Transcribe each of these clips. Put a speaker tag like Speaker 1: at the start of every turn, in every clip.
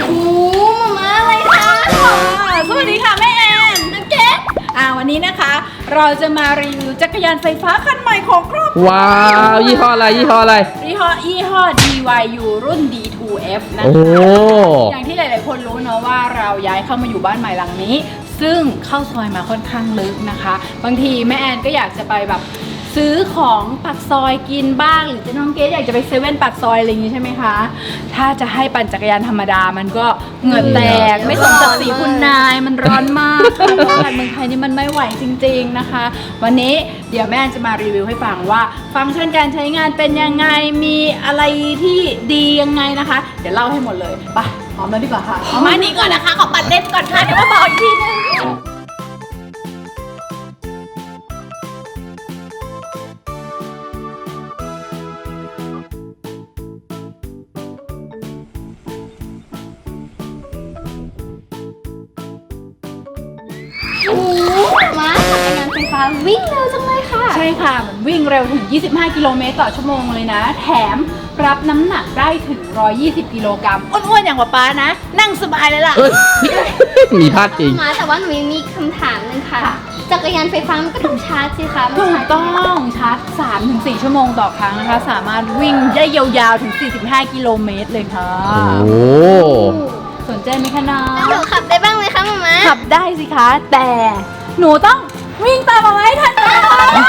Speaker 1: โอ้มาอะไรคะสวัสดีค่ะแม่แอนนักเก็ตวันนี้นะคะเราจะมารีวิวจักรยานไฟฟ้าคันใหม่ของครอบครัว
Speaker 2: ว้าวยี่ห้ออะไรยี่ห้อ
Speaker 1: DYU รุ่น D2F นะคะอย่างที่หลายๆคนรู้เนาะว่าเราย้ายเข้ามาอยู่บ้านใหม่หลังนี้ซึ่งเข้าซอยมาค่อนข้างลึกนะคะบางทีแม่แอนก็อยากจะไปแบบซื้อของปากซอยกินบ้างหรือจะน้องเกดอยากจะไปเซเว่นปากซอยอะไรอย่างนี้ใช่ไหมคะถ้าจะให้ปั่นจักรยานธรรมดามันก็เหงื่อแตกไม่สมศักดิ์ศรีคุณนายมันร้อนมากค่ะเพราะว่าเมืองไทยนี่มันไม่ไหวจริงๆนะคะวันนี้เดี๋ยวแม่จะมารีวิวให้ฟังว่าฟังก์ชันการใช้งานเป็นยังไงมีอะไรที่ดียังไงนะคะเดี๋ยวเล่าให้หมดเลยไปพร้อมแล้วดีกว่าค่ะเอามานี่ก่อนนะคะขอปั่นเล่นก่อนค่ะเดี๋ยวมาบอกอีกทีนึง
Speaker 3: มาจักรยานไฟฟ้าวิ่งเร็วจังเลยค่ะ
Speaker 1: ใช่ค่ะมันวิ่งเร็วถึง25 กิโลเมตรต่อชั่วโมงเลยนะแถมรับน้ำหนักได้ถึง120 กิโลกรัมอ้วนๆอย่างป๊านะนั่งสบายเลยล่ะ
Speaker 2: มีพลาดจริง
Speaker 3: มาแต่ว่าหนูยังมีคำถามนึงค่ะจักรยานไฟฟ้ามันก็ต้องชาร์จสิคะ
Speaker 1: ถูกต้องชาร์จ 3-4 ชั่วโมงต่อครั้งนะคะสามารถวิ่งได้ยาวๆถึง45 กิโลเมตรเลยค่ะ
Speaker 2: โอ้
Speaker 1: สนใจไหมคะน้อง
Speaker 3: หนูขับได้บ้างไหมคะมาม่า
Speaker 1: ขับได้สิคะแต่หนูต้องวิ่งตามมาไว้ทันนะคะ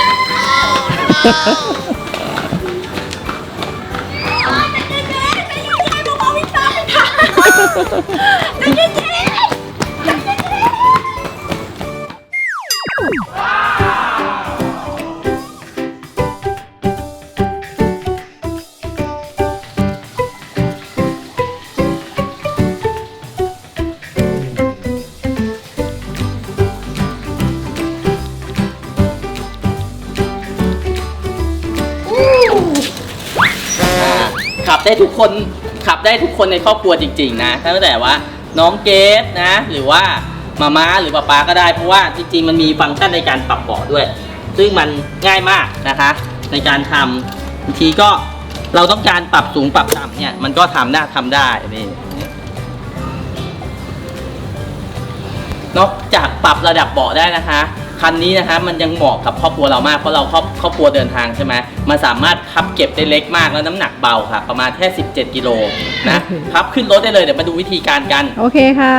Speaker 4: ขับได้ทุกคนขับได้ทุกคนในครอบครัวจริงๆนะตั้งแต่ว่าน้องเกดนะหรือว่ามาม่าหรือป๊าก็ได้เพราะว่าจริงๆมันมีฟังก์ชันในการปรับเบาะด้วยซึ่งมันง่ายมากนะคะในการทำบางทีก็เราต้องการปรับสูงปรับต่ำเนี่ยมันก็ทำได้นี่นอกจากปรับระดับเบาะได้นะคะคันนี้นะคะมันยังเหมาะกับครอบครัวเรามากเพราะเราครอบครัวเดินทางใช่ไหมมันสามารถพับเก็บได้เล็กมากแล้วน้ำหนักเบาค่ะประมาณแค่17 กิโลนะพับขึ้นรถได้เลยเดี๋ยวมาดูวิธีการกัน
Speaker 1: โอเคค่ะ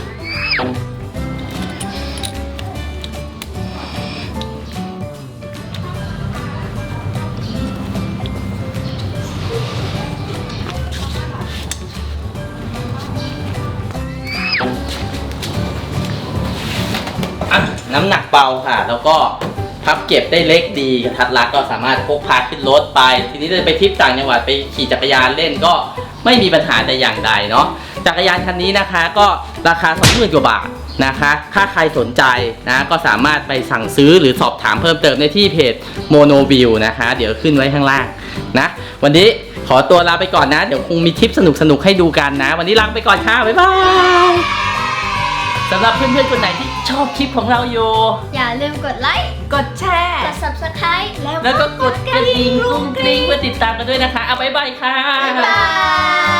Speaker 4: น้ำหนักเบาค่ะแล้วก็พับเก็บได้เล็กดีกระทัดรัดก็สามารถพกพาขึ้นรถไปทีนี้จะไปทริปต่างจังหวัดไปขี่จักรยานเล่นก็ไม่มีปัญหาแต่อย่างใดเนาะจักรยานคันนี้นะคะก็ราคา 20,000 กว่าบาทนะคะถ้าใครสนใจนะก็สามารถไปสั่งซื้อหรือสอบถามเพิ่มเติมในที่เพจ Monoview นะคะเดี๋ยวขึ้นไว้ข้างล่างนะวันนี้ขอตัวลาไปก่อนนะเดี๋ยวคงมีคลิปสนุกให้ดูกันนะวันนี้ลาไปก่อนค่ะบ๊ายบายสำหรับเพื่อนๆคนไหนที่ชอบคลิปของเราอยู่
Speaker 3: อย่าลืมกดไลค์
Speaker 1: กดแชร์
Speaker 3: กด Subscribe
Speaker 4: แล้วก็กดกระดิ่งกรุ้งกริ้งเพื่อติดตามกันด้วยนะคะเอาบ๊ายบายค่ะ
Speaker 3: บ๊ายบาย